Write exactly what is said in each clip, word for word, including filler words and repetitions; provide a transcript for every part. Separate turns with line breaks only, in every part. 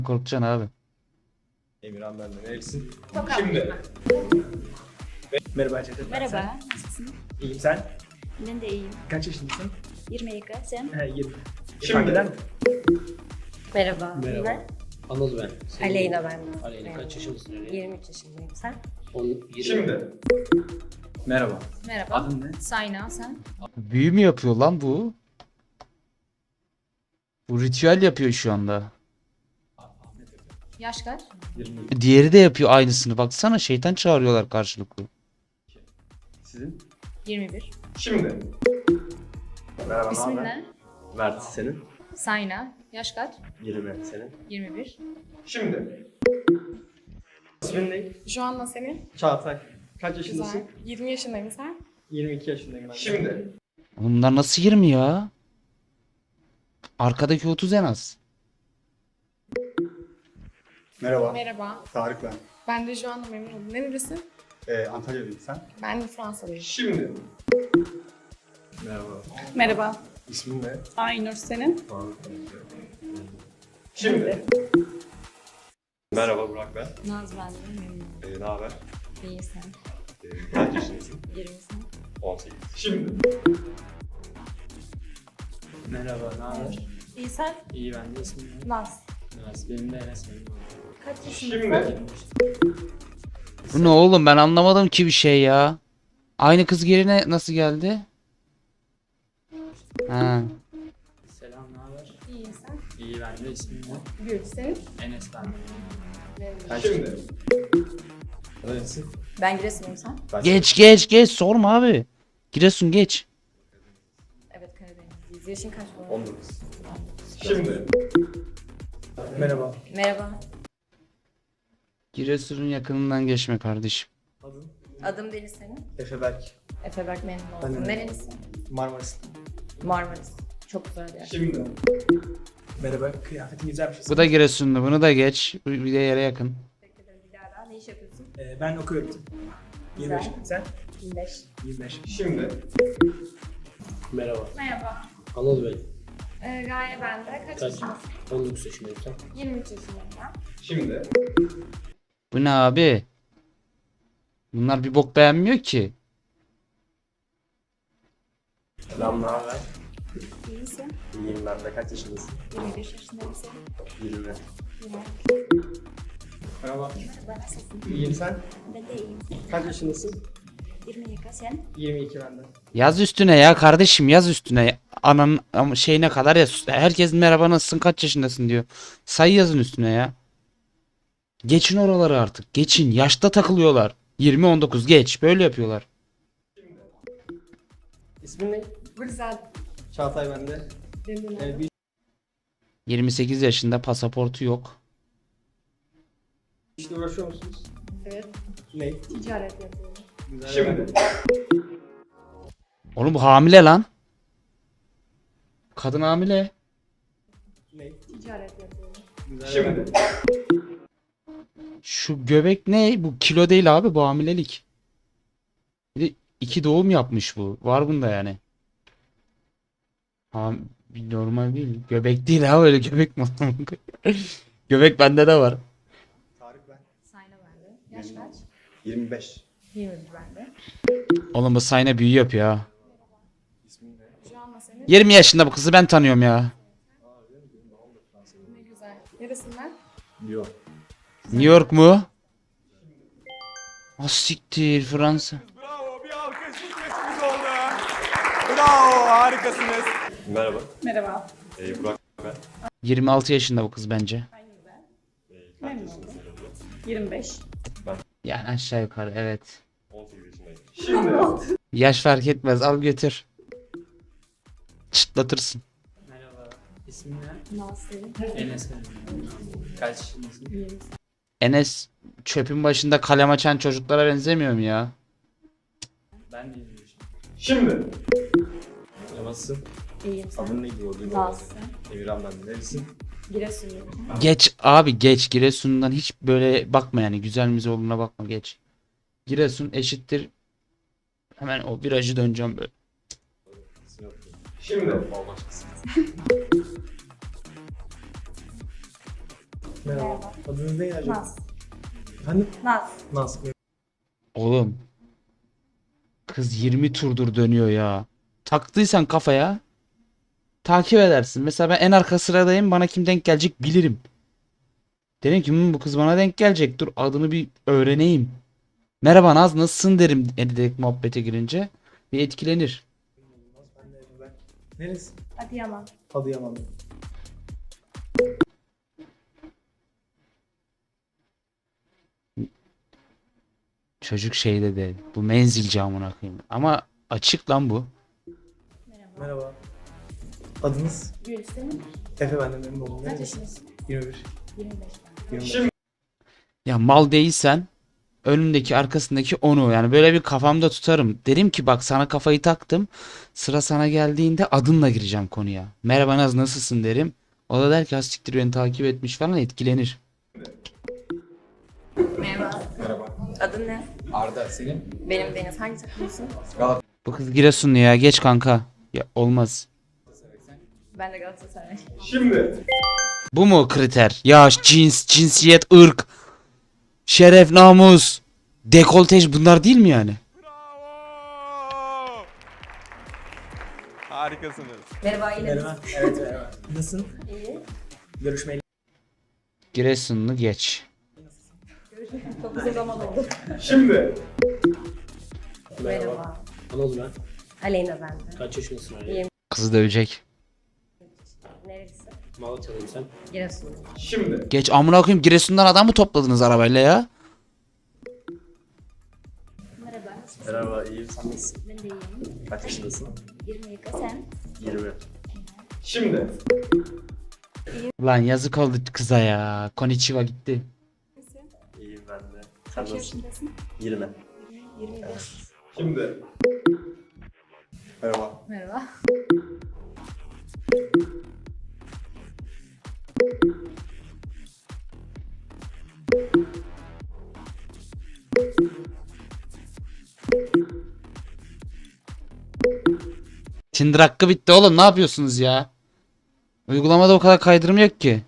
Korkacaksın abi.
Emirhan ben de. Nerelisin?
Tokat.
Şimdi.
Merhaba Cevdet.
Merhaba, nasılsın?
İyiyim sen?
Ben de iyiyim.
Kaç yaşındasın?
yirmi iki, sen?
He yirmi.
Şimdi.
Fark eder mi?
Merhaba.
Merhaba. Anıl ben. Senin
Aleyna ben.
Aleyna kaç yaşındasın Aleyna?
yirmi üç yaşındayım. Sen?
On, yirmi.
Şimdi. Merhaba.
Merhaba.
Adın ne?
Sayna, sen?
Büyü mü yapıyor lan bu? Bu ritüel yapıyor şu anda.
Yaş kaç?
yirmi.
Diğeri de yapıyor aynısını. Baksana şeytan çağırıyorlar karşılıklı.
Sizin?
yirmi bir.
Şimdi. Merhaba.
İsmin
naber?
ne?
Mert senin?
Sayna. Yaş kaç?
yirmi senin.
yirmi bir.
Şimdi. İsmin ne?
Şu anda senin?
Çağatay. Kaç yaşındasın?
Güzel. yirmi yaşındayım sen?
yirmi iki yaşındayım ben. Şimdi.
Oğlum bunlar nasıl yirmi ya? Arkadaki otuz en az.
Merhaba,
Merhaba.
Tarık ben.
Ben de şu anda memnun oldum. Nerelisin?
Ee, Antalya'dayım sen.
Ben de Fransa'dayım.
Şimdi. Merhaba.
Merhaba.
İsmin ne?
Aynur senin?
Şimdi. Merhaba Burak ben.
Naz ben de memnun oldum.
Ee, ne haber?
İyi sen?
Ee, kaç yaşındasın?
yirmi sen?
on sekiz. Şimdi.
Merhaba, ne haber?
İyi sen?
İyi ben de ismim ne?
Naz.
Naz, benim de Enes benim.
Kaç
Şimdi.
yirmi beş.
Bu ne oğlum, ben anlamadım ki bir şey ya. Aynı kız yerine nasıl geldi? Ha.
Selam, ne haber?
İyi sen?
İyi ben de ismim ne?
Gül senin?
Enes ben de.
Kaç Şimdi. Nerelisin?
Ben Giresun'um sen?
Ben
Geç geç geç, sorma abi. Giresun geç.
Evet Karadenizliyiz. Yaşın kaç bu arada?
on dokuz. Şimdi.
Merhaba.
Merhaba.
Giresun'un yakınından geçme kardeşim.
Adın?
Adım Deniz senin?
Efe Berk.
Efe Berk memnun
Ben de
oldum.
memnun
Nerelisin?
Marmaris.
Marmaris. Çok güzel yer.
Şimdi.
Merhaba. Kıyafetin güzelmiş.
Bu da Giresunlu, bunu da geç. Bu bir de yere yakın.
Teşekkür ederim Dilara. Ne iş yapıyorsun?
Ee, ben okuyorum. yirmi beş.
Güzel.
Sen?
yirmi beş.
yirmi beş.
Şimdi.
Merhaba.
Merhaba.
Anıl ben.
Ee, Gaye ben de. Kaç,
Kaç?
yaşındasın?
on dokuz yaşındayım sen.
yirmi üç yaşındayım ben.
Şimdi.
Bu ne abi? Bunlar bir bok beğenmiyor ki.
Selam, ne haber?
İyisin?
İyiyim ben de. Kaç yaşındasın?
yirmi beş yaşındayım sen?
yirmi.
Merhaba.
Merhaba, nasılsın?
İyiyim sen?
Ben de iyiyim.
Kaç yaşındasın?
yirmi iki, sen?
yirmi iki ben de.
Yaz üstüne ya kardeşim, yaz üstüne. Ananın ama şeyine kadar yaz. Herkes merhaba nasılsın, kaç yaşındasın diyor. Sayı yazın üstüne ya. Geçin oraları artık. Geçin. Yaşta takılıyorlar. yirmi on dokuz geç. Böyle yapıyorlar.
İsmin ne?
Güzel.
Çağatay ben de.
Memnun oldum.
Ee, bir
yirmi sekiz yaşında, pasaportu yok.
işle uğraşıyor musunuz?
Evet.
Ne?
Ticaret yapıyorum.
Güzel.
Şimdi.
Oğlum bu hamile lan. Kadın hamile.
Ne?
Ticaret yapıyorum.
Güzel.
Şimdi.
Şu göbek ne? Bu kilo değil abi, bu hamilelik. Bir de iki doğum yapmış bu. Var bunda yani. Ha, bir normal değil. Göbek değil ha, öyle göbek mi? Göbek bende de var.
Tarık ben.
Sayna bende. Yaş kaç?
yirmi beş.
yirmi bir bende.
Oğlum bu sayna büyü yapıyor ha.
Şu anda senin?
yirmi yaşında bu kızı ben tanıyorum ya.
Ne güzel. Neresinden?
Yok.
New York mu? Ah siktir, Fransa.
Bravo, bir alkış sesimiz oldu. Bravo, harikasınız. Merhaba,
Merhaba.
ee, Burak ben.
yirmi altı yaşında bu kız bence.
Memnun oldum. yirmi beş.
Yani aşağı yukarı evet.
on sekiz yaşındayım. Şimdi.
Yaş fark etmez, al götür. Çıtlatırsın.
Merhaba. İsmin ne?
Naz senin?
Enes benim. Kaç yaşındasın?
Enes çöpün başında kalem açan çocuklara benzemiyor mu ya?
Ben de yirmi yaşındayım.
Şimdi. Nasılsın?
İyiyim sen?
Adın neydi? O
Naz sen?
Emirhan ben de. Nerelisin?
Giresun'um.
Geç abi, geç. Giresun'dan hiç böyle bakma yani, güzel müze olduğuna bakma, geç. Giresun eşittir. Hemen o virajı döneceğim böyle.
Şimdi.
Merhaba. Adınız ne acaba?
Naz.
Efendim?
Naz.
Naz.
Oğlum. Kız yirmi turdur dönüyor ya. Taktıysan kafaya takip edersin. Mesela ben en arka sıradayım. Bana kim denk gelecek bilirim. Derim ki "Hmm, bu kız bana denk gelecek. Dur adını bir öğreneyim. Merhaba Naz nasılsın derim direkt muhabbete girince. Bir etkilenir.
Ben de Efe ben. Neresi?
Adıyaman.
Adıyaman.
Çocuk şeyde de bu menzilci amına koyayım. Ama açık lan bu.
Merhaba. Adınız?
Gül senin.
Efe ben de memnun oldum.
Kaç
Neresi?
yaşındasın?
yirmi bir.
yirmi beş.
yirmi beş.
Ya mal değilsen önündeki arkasındaki onu yani böyle bir kafamda tutarım. Derim ki bak sana kafayı taktım. Sıra sana geldiğinde adınla gireceğim konuya. Merhaba Naz nasılsın derim. O da der ki "Ha siktir beni takip etmiş" falan etkilenir.
Merhaba.
Merhaba.
Adın ne?
Arda senin?
Benim Deniz. Hangi takımlısın?
Bu kız Giresunlu ya geç kanka. Ya olmaz.
Ben de Galatasaray.
Bu mu kriter? Yaş, cins, cinsiyet, ırk, şeref, namus, dekoltej bunlar değil mi yani?
Bravo. Harikasınız.
Merhaba yine
Merhaba. Evet merhaba. Nasılsın?
İyi.
Görüşmeyeli.
Giresunlu geç.
Çok uzun zaman oldu.
Merhaba.
Merhaba.
Anıl ben.
Aleyna ben de.
Kaç yaşındasın Ali?
İyiyim.
Kızı dövecek.
Neresi?
Malatyalıyım sen.
Giresun.
Geç amına koyayım Giresun'dan adam mı topladınız arabayla ya?
Merhaba. Nasılsın?
Merhaba, iyiyim. Sen nasılsın?
Ben de iyiyim.
Kaç yaşındasın?
yirmi yaka sen.
yirmi.
Lan yazık oldu kıza ya. Konnichiwa gitti.
İyiyim ben de. Sen
Kaç
nasılsın?
yaşındasın?
yirmi.
yirmi beş.
Merhaba.
Merhaba.
Tinder hakkı bitti oğlum ne yapıyorsunuz ya? Uygulamada o kadar kaydırım yok ki.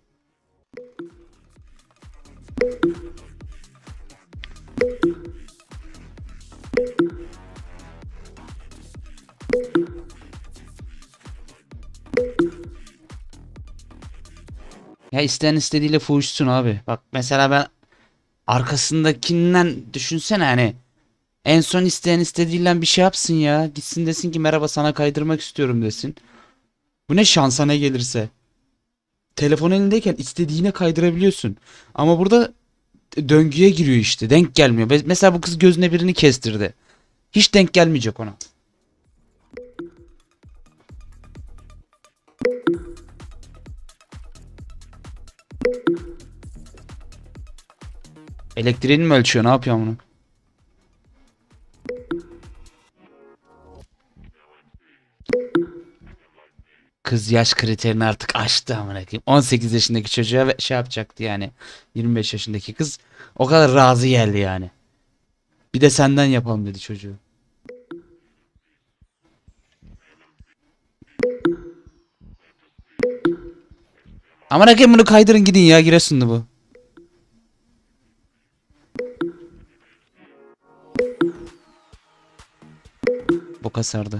Ya isteyen istediğiyle fuhuşsun abi. Bak mesela ben arkasındakinden düşünsene hani. En son isteyen istediğiyle bir şey yapsın ya. Gitsin desin ki merhaba sana kaydırmak istiyorum desin. Bu ne şansa ne gelirse. Telefon elindeyken istediğine kaydırabiliyorsun. Ama burada döngüye giriyor işte. Denk gelmiyor. Be- Mesela bu kız gözüne birini kestirdi. Hiç denk gelmeyecek ona. Elektriğini mi ölçüyor? Ne yapıyor bunu? Kız yaş kriterini artık aştı amına koyayım. on sekiz yaşındaki çocuğa ve- şey yapacaktı yani. yirmi beş yaşındaki kız o kadar razı geldi yani. Bir de senden yapalım dedi çocuğu. Amına koyayım bunu kaydırın gidin ya Giresunlu bu. Boka sardı.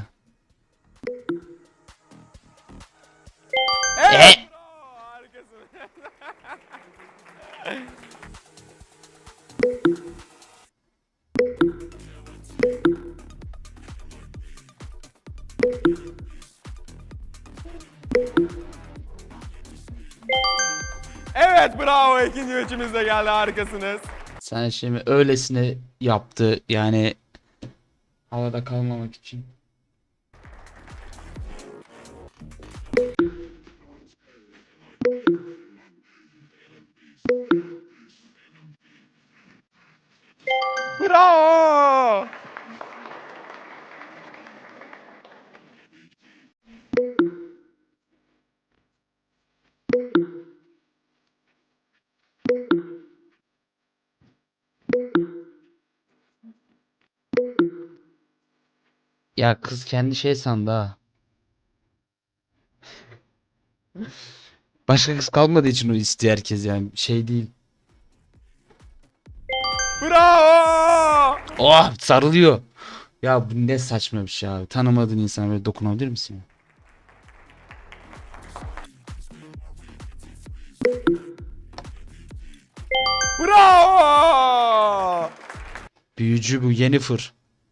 Evet.
E?
Bravo. Harikasınız. Evet bravo ikinci üçümüz de geldi harikasınız.
Sen şimdi öylesine yaptı yani havada kalmamak için.
Bravo.
Ya kız kendi şey sandı ha. Başka kız kalmadığı için o istiyor herkes yani. Şey değil.
Bravo!
Oh sarılıyor. Ya bu ne saçma bir şey abi. Tanımadığın insana böyle dokunabilir misin ya?
Bravo!
Büyücü bu Yennefer.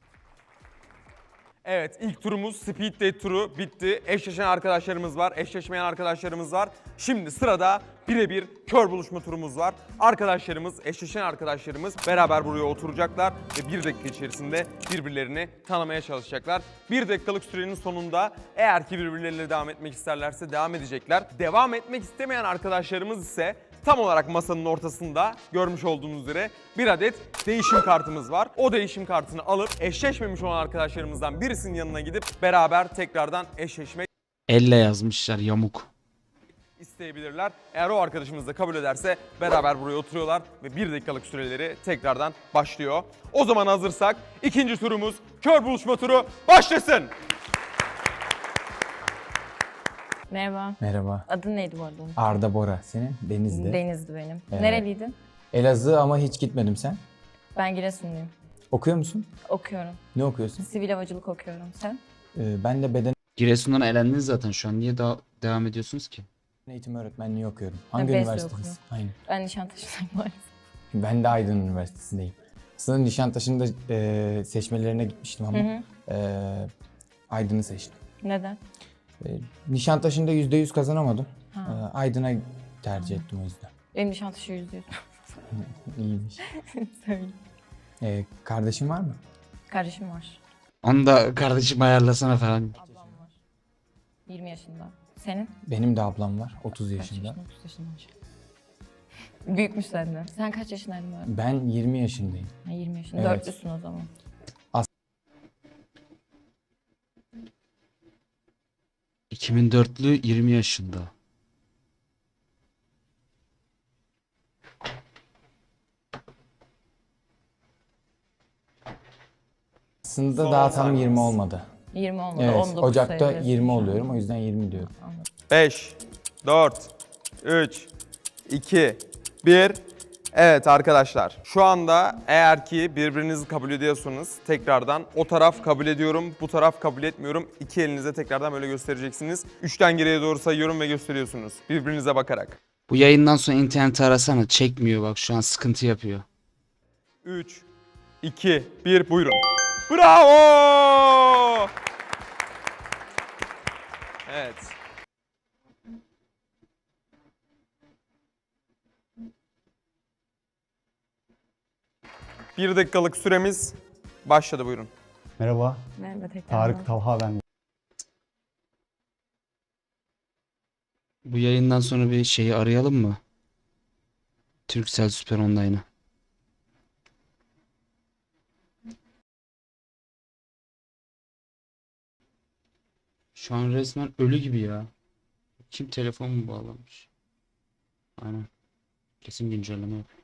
Evet, ilk turumuz Speed Date turu bitti. Eşleşen arkadaşlarımız var, eşleşmeyen arkadaşlarımız var. Şimdi sırada birebir kör buluşma turumuz var. Arkadaşlarımız, eşleşen arkadaşlarımız beraber buraya oturacaklar ve bir dakika içerisinde birbirlerini tanımaya çalışacaklar. Bir dakikalık sürenin sonunda eğer ki birbirleriyle devam etmek isterlerse devam edecekler. Devam etmek istemeyen arkadaşlarımız ise tam olarak masanın ortasında görmüş olduğunuz üzere bir adet değişim kartımız var. O değişim kartını alıp eşleşmemiş olan arkadaşlarımızdan birisinin yanına gidip beraber tekrardan eşleşmek
Elle yazmışlar yamuk.
isteyebilirler. Eğer o arkadaşımız da kabul ederse beraber buraya oturuyorlar ve bir dakikalık süreleri tekrardan başlıyor. O zaman hazırsak ikinci turumuz kör buluşma turu başlasın.
Merhaba.
Merhaba.
Adın neydi bu arada?
Arda Bora. Senin? Denizli.
Deniz'di benim.
Evet.
Nereliydin?
Elazığ ama hiç gitmedim sen.
Ben Giresunluyum.
Okuyor musun?
Okuyorum.
Ne okuyorsun?
Sivil havacılık okuyorum. Sen?
Ee, ben de beden
Giresun'dan elendiniz zaten şu an. Niye daha devam ediyorsunuz ki?
eğitimi öğretmenliği okuyorum. Hangi
Besyo
üniversiteniz?
okuyorum.
Aynen.
Ben Nişantaşı'ndayım maalesef.
Ben de Aydın Üniversitesi'ndeyim. Aslında Nişantaşı'nda e, seçmelerine gitmiştim ama
Hı hı.
e, Aydın'ı seçtim.
Neden?
E, Nişantaşı'nda yüzde yüz kazanamadım.
Ha.
E, Aydın'a tercih ettim o yüzden.
Benim Nişantaşı yüzde yüz.
İyiymiş.
Söyle.
E, kardeşin var mı?
Kardeşim var.
Onu da kardeşim ayarlasana falan.
Ablam var. yirmi yaşında. Senin?
Benim de ablam var. otuz
Kaç
yaşında.
yaşında? otuz yaşında olacak. Büyükmüş senden. Sen kaç yaşındaydın bu arada?
Ben yirmi yaşındayım.
Ha, yirmi yaşında.
Evet.
Dörtlüsün o zaman.
iki bin dörtlü yirmi yaşında.
Aslında
Son
daha
on
tam
saniyeniz.
yirmi olmadı.
yirmi olmadı.
Evet,
on dokuz
Ocak'ta
sayılıyorsun
yirmi
şu an.
oluyorum. O yüzden yirmi diyorum.
Anladım.
beş, dört, üç, iki, bir. Evet arkadaşlar, şu anda eğer ki birbirinizi kabul ediyorsanız tekrardan o taraf kabul ediyorum, bu taraf kabul etmiyorum. İki elinize tekrardan böyle göstereceksiniz. Üçten geriye doğru sayıyorum ve gösteriyorsunuz birbirinize bakarak.
Bu yayından sonra interneti arasana. Çekmiyor bak şu an sıkıntı yapıyor.
üç, iki, bir buyurun. Bravo! Evet. Bir dakikalık süremiz başladı buyurun.
Merhaba,
Merhaba tekrar.
Tarık Talha ben.
Bu yayından sonra bir şeyi arayalım mı? Turkcell Süper Online'ı. Şu an resmen ölü gibi ya. Kim telefon mu bağlamış? Aynen. Kesin güncelleme yapıyor.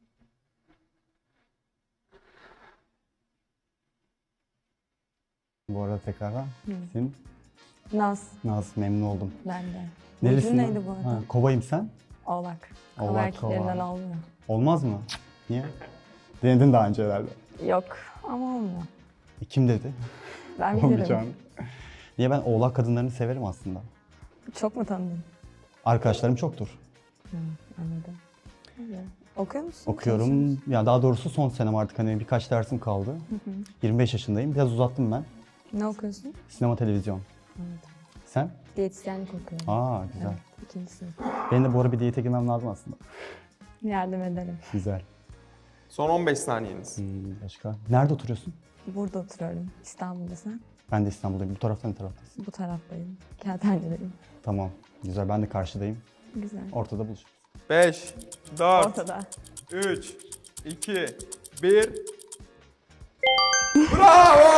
Bu arada tekrardan. Senin
Naz.
Naz, memnun oldum.
Ben de.
Nerelisin?
neydi bu arada?
Ha, kovayım sen?
Oğlak.
Oğlak,
Kova erkeklerinden
kova.
olmuyor.
Olmaz mı? Niye? Denedin daha önce herhalde.
Yok ama olmuyor.
E, kim dedi?
Ben bilirim.
Olmayacağını. Niye ben oğlak kadınlarını severim aslında.
Çok mu tanıdın?
Arkadaşlarım çoktur.
Anladım. Okuyor musun?
Okuyorum. Ya daha doğrusu son senem artık hani birkaç dersim kaldı. yirmi beş yaşındayım. Biraz uzattım ben.
Ne okuyorsun?
Sinema, televizyon. Sen?
Diyetisyenlik okuyorum.
Aa güzel.
Evet, ikinci sınıf.
Benim de bu ara bir diyete girmem lazım aslında.
Yardım ederim.
Güzel.
Son on beş saniyeniz.
Hmm, başka? Nerede oturuyorsun?
Burada oturuyorum. İstanbul'da sen?
Ben de İstanbul'dayım. Bu taraftan ne taraftasın?
Bu taraftayım. Kağıthane'deyim.
Tamam. Güzel. Ben de karşıdayım.
Güzel.
Ortada buluşuruz.
beş, dört,
Ortada.
üç, iki, bir. Bravo!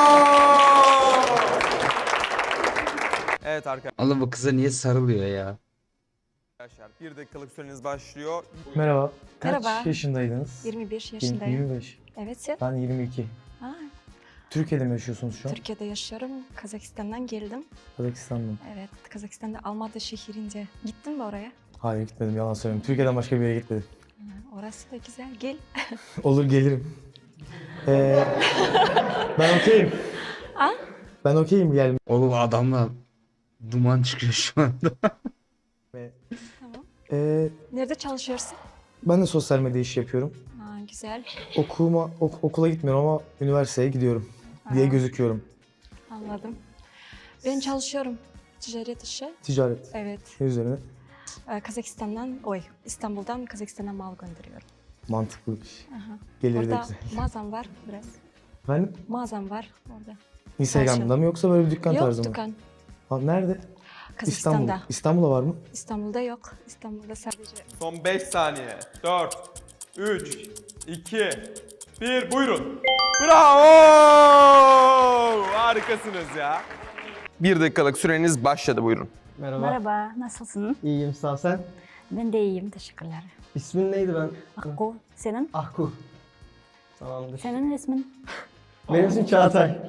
Evet arkadaşlar
Allah bu kıza niye sarılıyor ya?
bir dakikalık süreniz başlıyor.
Merhaba. Kaç
Merhaba.
yaşındaydınız?
yirmi bir
Yirmi-
yaşındayım.
yirmi beş.
Evet sen?
Ben yirmi iki.
Ha,
Türkiye'de mi yaşıyorsunuz şu an?
Türkiye'de yaşıyorum. Kazakistan'dan geldim.
Kazakistan'dan.
Evet, Kazakistan'da Almatı şehrinde. Gittin mi oraya?
Hayır gitmedim, yalan söylüyorum. Türkiye'den başka bir yere gitmedim.
Ha, orası da güzel. Gel.
Olur, gelirim. Ee, ben okeyim.
Ha?
Ben okeyim gelmeye.
Oğlum adamla duman çıkıyor şu anda.
Tamam.
Ee,
Nerede çalışıyorsun?
ben de sosyal medya işi yapıyorum.
Ha, güzel.
Okuma, ok- okula gitmiyorum ama üniversiteye gidiyorum diye
Ha.
gözüküyorum.
Anladım. Ben çalışıyorum. Ticaret işi.
Ticaret.
Evet.
Ne üzerine?
Ee, Kazakistan'dan, oy, İstanbul'dan Kazakistan'a mal gönderiyorum.
Mantıklı bir şey.
Aha.
Gelir de
Orada
güzel.
mağazam var biraz.
Ben
Mağazam var orada.
Instagram'da mı yoksa böyle bir dükkan
Yok
tarzı mı?
dükkan.
Ha, nerede?
Kazakistan'da.
İstanbul. İstanbul'da var mı?
İstanbul'da yok. İstanbul'da sadece.
Son beş saniye. dört, üç, iki, bir. Buyurun. Bravo! Harikasınız ya. Bir dakikalık süreniz başladı, buyurun.
Merhaba.
Merhaba, nasılsın?
İyiyim, sağ ol. Sen?
Ben de iyiyim, teşekkürler.
İsmin neydi ben?
Akku, senin?
Ahku. Tamamdır.
Senin ismin?
Benim ismim Çağatay.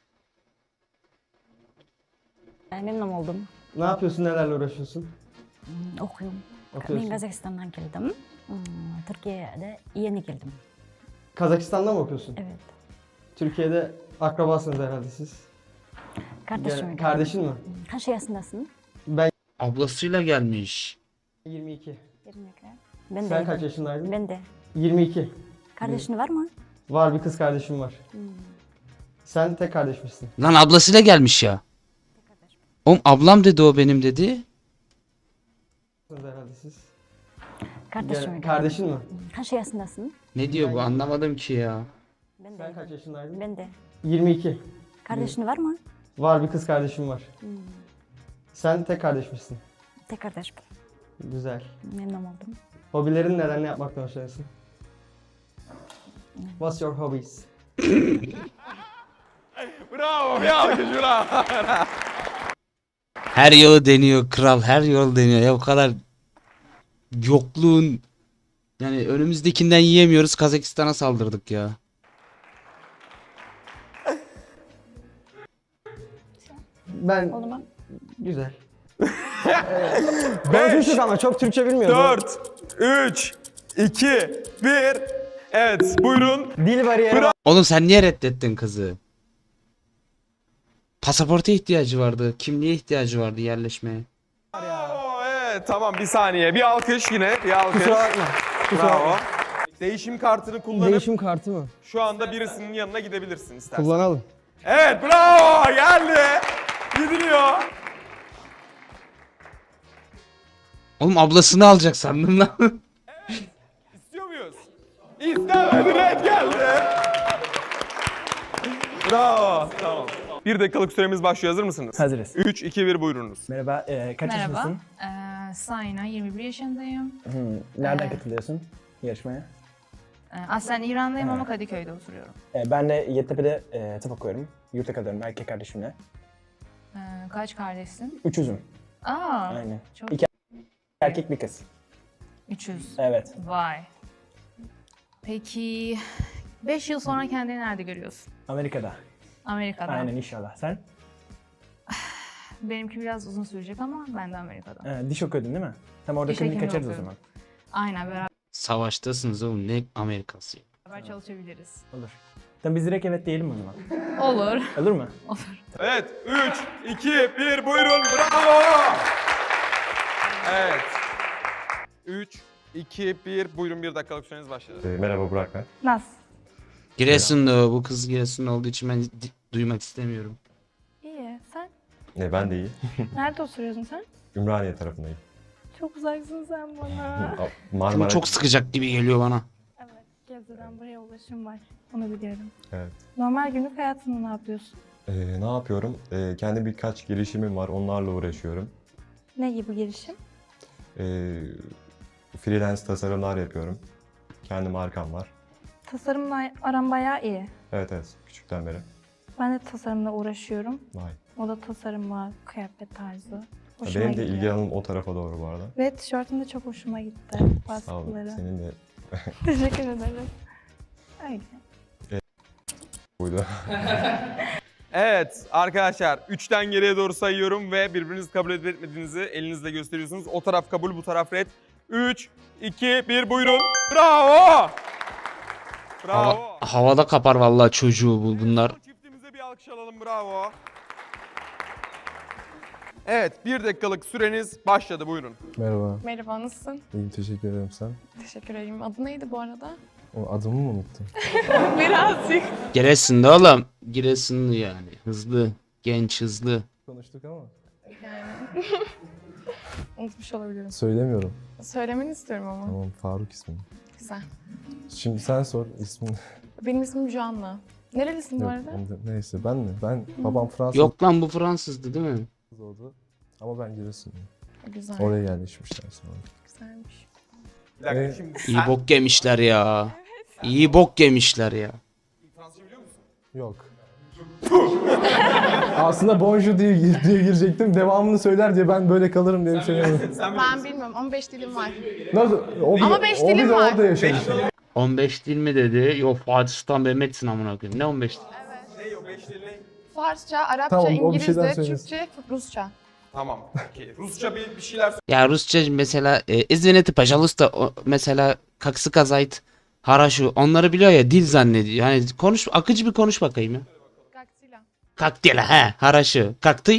Ben memnun oldum.
Ne yapıyorsun, nelerle uğraşıyorsun?
Hmm, okuyorum.
Okuyorsun.
Ben Kazakistan'dan geldim. Hmm, Türkiye'de yeni geldim.
Kazakistan'da mı okuyorsun?
Evet.
Türkiye'de akrabasınız herhalde siz.
Kardeşim.
Gel- kardeşin mi?
Hmm, Kaç yaşındasın?
Ben
Ablasıyla gelmiş.
yirmi iki.
yirmi iki. Ben
Sen
de.
kaç yaşındaydın?
Ben de.
yirmi iki.
Kardeşin var mı?
Var, bir kız kardeşim var.
Hmm.
Sen tek kardeşmişsin.
Lan ablasıyla gelmiş ya. Oğlum ablam dedi, o benim dedi.
Herhalde siz.
Kardeşim.
Gel- kardeşin mi?
Hmm, Kaç yaşındasın?
Ne diyor bu, anlamadım ki ya.
Ben de.
Sen kaç yaşındaydın?
Ben de.
yirmi iki.
Kardeşin var mı?
Var, bir kız kardeşim var.
Hmm.
Sen tek kardeşmişsin.
Tek kardeş.
Güzel.
Memnun oldum.
Hobilerin neler, ne yapmaktan hoşlanıyorsun? What's your hobbies?
Bravo, bir alkış bravo.
Her yolu deniyor kral, her yolu deniyor ya, o kadar yokluğun, yani önümüzdekinden yiyemiyoruz, Kazakistan'a saldırdık ya.
Ben...
Oldu mu?
Güzel. Konuşmuştuk ama çok Türkçe bilmiyorum.
dört, üç, iki, bir. Evet, buyurun.
Dil bariyeri var.
Oğlum sen niye reddettin kızı? Pasaporta ihtiyacı vardı, kimliğe ihtiyacı vardı yerleşmeye.
Bravo, evet, tamam, bir saniye. Bir alkış yine, bir alkış.
Kusura bakma. Kusura
Bravo.
bakma.
Değişim kartını kullanıp
Değişim kartı mı?
şu anda birisinin yanına gidebilirsin istersen.
Kullanalım.
Evet, bravo, geldi. Gidiliyor.
Oğlum ablasını alacak sandım lan.
İstiyor muyuz? İstemedi, red geldi. Bravo, tamam. Bir dakikalık süremiz başlıyor, hazır mısınız?
Hazırız.
üç, iki, bir, buyurunuz.
Merhaba, e, kaç
Merhaba.
yaşındasın?
Ee, Sayna, yirmi bir yaşındayım.
Hmm, nereden katılıyorsun yarışmaya?
Ee, aslen İranlıyım ama Kadıköy'de oturuyorum.
E, ben de Yeditepe'de e, tıp okuyorum. Yurtta kalıyorum erkek kardeşimle.
Ee, kaç kardeşsin?
Üçüzüm.
Aa,
Aynen.
çok
İki erkek bir kız.
üç yüz.
Evet.
Vay. Peki beş yıl sonra kendini nerede görüyorsun?
Amerika'da.
Amerika'da.
Aynen, inşallah. Sen?
Benimki biraz uzun sürecek ama ben de Amerika'da.
E, diş okuyordun değil mi? Tam orada
Diş
klinik
hekimi
kaçarız o
okuyorum.
zaman.
Aynen, beraber
Savaştasınız oğlum, ne Amerikası.
çalışabiliriz.
Olur. Tamam, biz direkt evet diyelim o zaman.
Olur.
Olur mu?
Olur.
Evet, üç, iki, bir, buyurun. Bravo. Evet. üç, iki, bir, buyurun, bir dakikalık süreniz başladı.
merhaba Burak ben.
Naz.
Giresun'da, bu kız Giresun'da olduğu için ben di- duymak istemiyorum.
İyi, sen?
E, ben de iyi.
Nerede oturuyorsun sen?
Ümraniye tarafındayım.
Çok uzaksın sen bana.
Marmara.
Çok sıkacak gibi geliyor bana.
Evet, Gebze'den buraya ulaşım var. Onu biliyorum.
Evet.
Normal günlük hayatında ne yapıyorsun?
E, ne yapıyorum? E, kendi birkaç girişimim var. Onlarla uğraşıyorum.
Ne gibi girişim?
E, freelance tasarımlar yapıyorum. Kendi markam var.
Tasarımla aram bayağı iyi.
Evet evet. Küçükten beri.
Ben de tasarımla uğraşıyorum.
Vay.
O da tasarım var, kıyafet tarzı. Hoşuma
Benim de
gidiyor.
ilgi alanım o tarafa doğru bu arada.
Ve tişörtün de çok hoşuma gitti.
Sağ ol.
Baskıları.
Senin de.
Teşekkür ederim. Öyle.
buydu.
Evet arkadaşlar üçten geriye doğru sayıyorum ve birbirinizi kabul edip etmediğinizi elinizle gösteriyorsunuz. O taraf kabul, bu taraf red. üç, iki, bir buyurun. Bravo! Bravo.
Hava- havada kapar vallahi çocuğu bu bunlar.
Çiftimize bir alkış alalım, bravo. Evet, bir dakikalık süreniz başladı, buyurun.
Merhaba.
Merhaba, nasılsın?
İyiyim, teşekkür ederim sen.
Teşekkür ederim. Adı neydi bu arada?
O adımı mı unuttun?
Birazcık.
Giresun'da oğlum. Giresunlu yani. Hızlı. Genç hızlı.
Konuştuk ama.
Yani. Unutmuş olabilirim.
Söylemiyorum.
Söylemeni istiyorum ama.
Tamam, Faruk ismim.
Güzel.
Şimdi sen sor ismini.
Benim ismim Joanna. Nerelisin bu
Yok,
arada?
onu da- neyse ben mi? Ben babam Fransız
Yok lan bu Fransızdı değil mi?
oldu. Ama ben Giresunluyum.
Güzel.
Oraya yerleşmişler sonra.
Güzelmiş.
Bir dakika,
Evet.
şimdi
İyi bok yemişler ya. İyi bok yemişler ya.
Fransızca biliyor musun?
Yok. Aslında bonjour diye, diye girecektim. Devamını söyler diye ben böyle kalırım diye söylemedim.
Ben bilmiyorum. on beş dilim var.
Nasıl? O bir,
Ama beş
o bir
dilim
de
var.
orada yaşamış.
on beş dil mi dedi? Yok Fatih Sultan Mehmet'sin amına koyayım. Ne on beş dil?
Ne o beş dil ne?
Farsça, Arapça,
Tamam, o bir şeyden
İngilizce,
söylesin.
Türkçe, Rusça.
Tamam, okey. Rusça bir, bir şeyler söyle.
Ya Rusça mesela e, izveneti pajalusta o, mesela kaksı kazayt haraşu onları biliyor ya dil zannediyor. Hani konuş akıcı bir konuş bakayım ya.
Gaktila.
Kaktila he haraşı. Kaktı.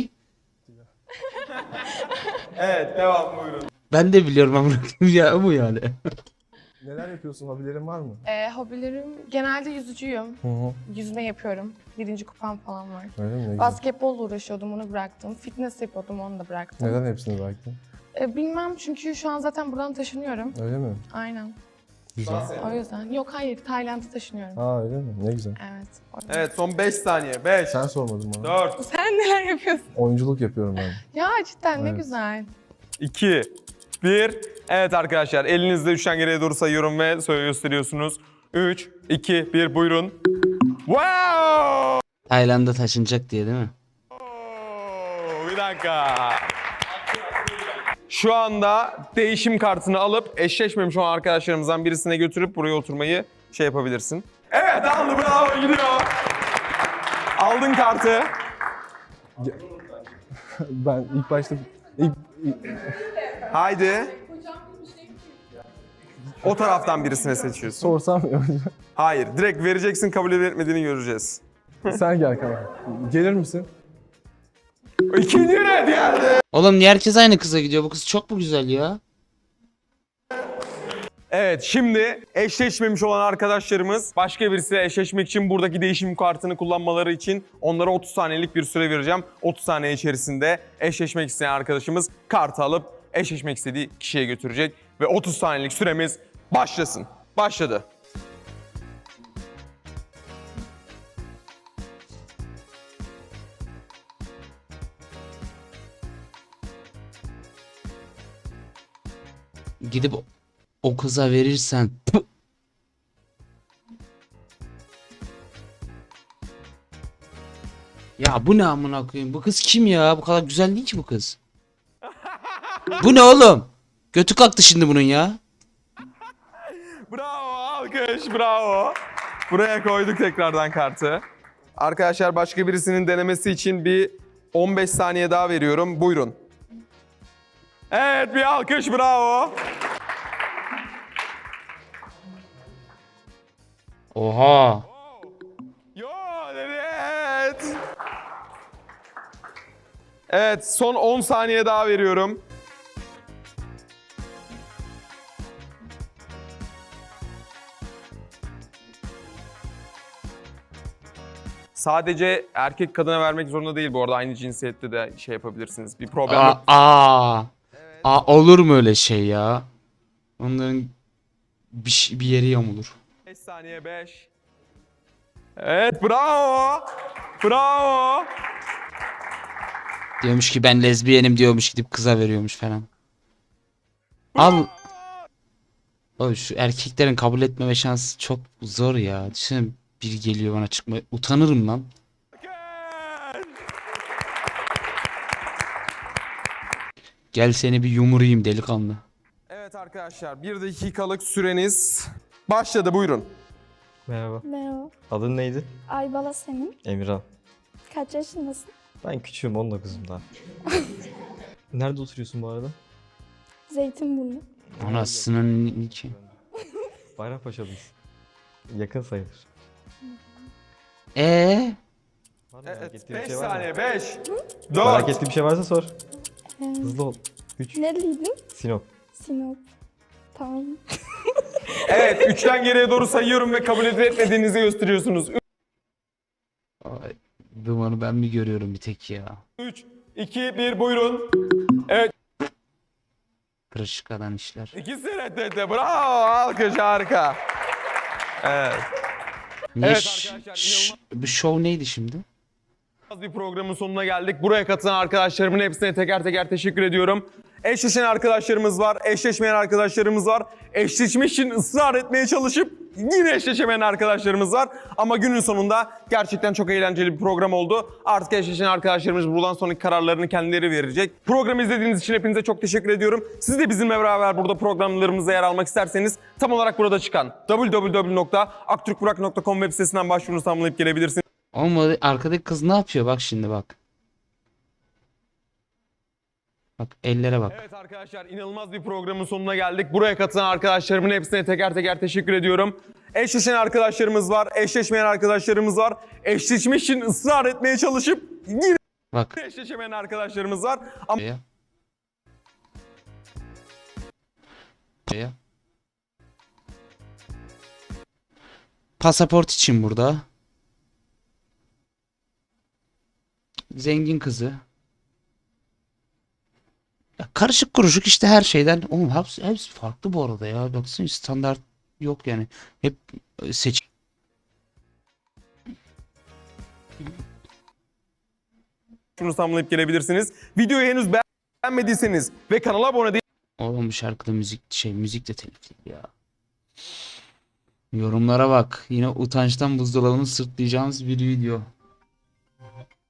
Evet, devam buyurun.
Ben de biliyorum amına koyayım ya bu yani.
Neler yapıyorsun? Hobilerin var mı?
Ee, hobilerim genelde yüzücüyüm.
Hı hı.
Yüzme yapıyorum. Birinci kupam falan var.
Öyle mi? Ne güzel.
Basketbolla uğraşıyordum, onu bıraktım. Fitness yapıyordum, onu da bıraktım.
Neden hepsini bıraktın?
Ee, bilmem çünkü şu an zaten buradan taşınıyorum.
Öyle mi?
Aynen.
Güzel.
O yüzden. Yok hayır, Tayland'a taşınıyorum.
Aa öyle mi? Ne güzel.
Evet. o yüzden.
Evet, son beş saniye. beş,
Sen sormadın bana.
dört,
Sen neler yapıyorsun?
Oyunculuk yapıyorum ben.
Ya cidden ne
Evet.
güzel.
iki, bir. Evet arkadaşlar, elinizde üçten geriye doğru sayıyorum ve söyle gösteriyorsunuz. üç, iki, bir buyurun. Wow!
Tayland'a taşınacak diye değil mi?
Bir dakika. Şu anda değişim kartını alıp eşleşmemiş olan arkadaşlarımızdan birisine götürüp buraya oturmayı şey yapabilirsin. Evet aldı, bravo, gidiyor. Aldın kartı.
Ben ilk başta... ilk, ilk-
Haydi. O taraftan birisine seçiyorsun.
sorsam
Hayır, direkt vereceksin, kabul edip etmediğini göreceğiz.
sen gel kanka. Gelir misin?
İkinci red geldi.
Oğlum niye herkes aynı kıza gidiyor? Bu kız çok mu güzel ya?
Evet, şimdi eşleşmemiş olan arkadaşlarımız başka birisiyle eşleşmek için buradaki değişim kartını kullanmaları için onlara otuz saniyelik bir süre vereceğim. otuz saniye içerisinde eşleşmek isteyen arkadaşımız kartı alıp eşleşmek istediği kişiye götürecek ve otuz saniyelik süremiz başlasın. Başladı.
Gidip o- o kıza verirsen Püh! Ya bu ne amına koyayım? Bu kız kim ya? Bu kadar güzel değil ki bu kız. Bu ne oğlum? Götü kalktı şimdi bunun ya.
Bravo, alkış, bravo. Buraya koyduk tekrardan kartı. Arkadaşlar başka birisinin denemesi için bir on beş saniye daha veriyorum. Buyurun. Evet, bir alkış, bravo.
Oha.
Yo, evet. Evet, son on saniye daha veriyorum. Sadece erkek kadına vermek zorunda değil bu arada. Aynı cinsiyette de şey yapabilirsiniz. Bir problem
Aa,
yok.
aa. Aa, olur mu öyle şey ya? Onların bir, şey- bir yeri yamulur.
beş saniye, beş. Evet, bravo. Bravo.
Diyormuş ki ben lezbiyenim diyormuş gidip kıza veriyormuş falan. Al. Oğlum şu erkeklerin kabul etmeme şansı çok zor ya. Düşünsene biri geliyor bana çıkma. Utanırım lan.
Gel.
Gel seni bir yumurayım delikanlı.
Evet arkadaşlar, bir dakikalık süreniz başladı, buyurun.
Merhaba.
Merhaba.
Adın neydi?
Aybala senin.
Emirhan.
Kaç yaşındasın?
Ben küçüğüm, on dokuzum daha. Nerede oturuyorsun bu arada?
Zeytinburnu.
Anasının iki.
Bayrampaşa'dayız. Yakın sayılır.
Ee,
Var mı merak
Evet,
ettiğin bir
beş
şey var mı?
saniye. beş,
Merak
dört,
ettiğin bir şey varsa sor.
Ee,
Hızlı ol. üç.
Nereliydin?
Sinop.
Sinop. Tamam.
evet. üçten geriye doğru sayıyorum ve kabul edip etmediğinizi gösteriyorsunuz.
ay, dumanı ben mi görüyorum bir tek ya?
üç, iki, bir buyurun.
Kırışık işler.
İkisi reddetti. Bravo. Alkış, harika. Evet.
Niye
Evet
ş-
arkadaşlar,
ş- bu show neydi şimdi?
Bir programın sonuna geldik. Buraya katılan arkadaşlarımın hepsine teker teker teşekkür ediyorum. Eşleşen arkadaşlarımız var, eşleşmeyen arkadaşlarımız var. Eşleşmek için ısrar etmeye çalışıp yine eşleşemeyen arkadaşlarımız var. Ama günün sonunda gerçekten çok eğlenceli bir program oldu. Artık eşleşen arkadaşlarımız buradan sonraki kararlarını kendileri verecek. Programı izlediğiniz için hepinize çok teşekkür ediyorum. Siz de bizimle beraber burada programlarımızda yer almak isterseniz tam olarak burada çıkan double-u double-u double-u nokta aktürkburak nokta com web sitesinden başvurunuzu tamamlayıp gelebilirsiniz.
Ama arkadaki kız ne yapıyor bak şimdi bak. Bak ellere bak.
Evet arkadaşlar, inanılmaz bir programın sonuna geldik. Buraya katılan arkadaşlarımın hepsine teker teker teşekkür ediyorum. Eşleşen arkadaşlarımız var, eşleşmeyen arkadaşlarımız var. Eşleşmek için ısrar etmeye çalışıp yine
Bak.
eşleşemeyen arkadaşlarımız var. Ama
Ya. Ya. Pasaport için burada. Zengin kızı. Ya karışık kuruşuk işte her şeyden. Oğlum hepsi, hepsi farklı bu arada ya. Baksana standart yok yani. Hep e, seç.
şunu tamamlayıp gelebilirsiniz. Videoyu henüz beğenmediyseniz ve kanala abone değil.
Oğlum bu şarkıda müzik şey müzik de telifli ya. Yorumlara bak. Yine utançtan buzdolabını sırtlayacağımız bir video.